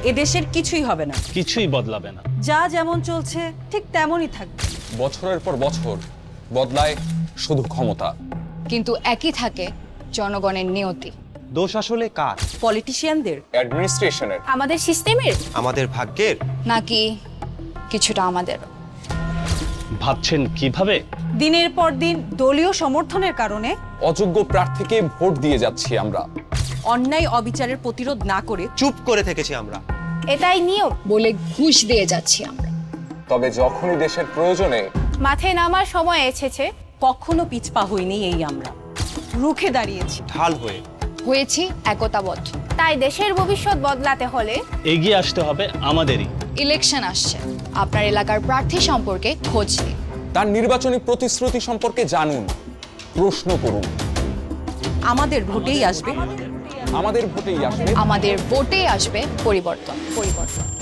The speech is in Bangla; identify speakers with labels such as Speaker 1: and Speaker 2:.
Speaker 1: এদেশের কিছুই হবে না,
Speaker 2: কিছুই বদলাবে না।
Speaker 1: যা যেমন চলছে ঠিক তেমনই থাকবে।
Speaker 3: বছরের পর বছর বদলায় শুধু ক্ষমতা,
Speaker 4: কিন্তু একই থাকে জনগণের নিয়তি।
Speaker 5: দোষ আসলে কার?
Speaker 1: পলিটিশিয়ানদের,
Speaker 3: অ্যাডমিনিস্ট্রেশনের,
Speaker 6: আমাদের সিস্টেমের,
Speaker 5: আমাদের ভাগ্যের?
Speaker 4: নাকি কিছুটা আমাদের?
Speaker 2: ভাবছেন কিভাবে?
Speaker 1: দিনের পর দিন দলীয় সমর্থনের কারণে
Speaker 3: অযোগ্য প্রার্থীকে ভোট দিয়ে যাচ্ছি আমরা।
Speaker 1: অন্যায় অবিচারের প্রতিরোধ না করে
Speaker 5: চুপ করে থেকেছি আমরা।
Speaker 6: এটাই নিয়ম
Speaker 4: বলে ঘুষ দিয়ে যাচ্ছি আমরা।
Speaker 3: তবে যখনই দেশের প্রয়োজনে
Speaker 6: মাঠে নামার সময় এসেছে।
Speaker 1: কখনো পিছপা হইনি এই আমরা, রুখে দাঁড়িয়েছি।
Speaker 5: ঢাল হয়ে
Speaker 4: হয়েছি একতাবদ্ধ।
Speaker 6: তাই দেশের ভবিষ্যৎ বদলাতে হলে
Speaker 2: এগিয়ে আসতে হবে আমাদেরই।
Speaker 4: ইলেকশন আসছে, আপনার এলাকার প্রার্থী সম্পর্কে খোঁজ নিন।
Speaker 3: তার নির্বাচনী প্রতিশ্রুতি সম্পর্কে জানুন, প্রশ্ন করুন।
Speaker 1: আমাদের ভোটেই আসবে,
Speaker 3: আমাদের ভোটেই আসবে
Speaker 4: আমাদের ভোটে আসবে পরিবর্তন।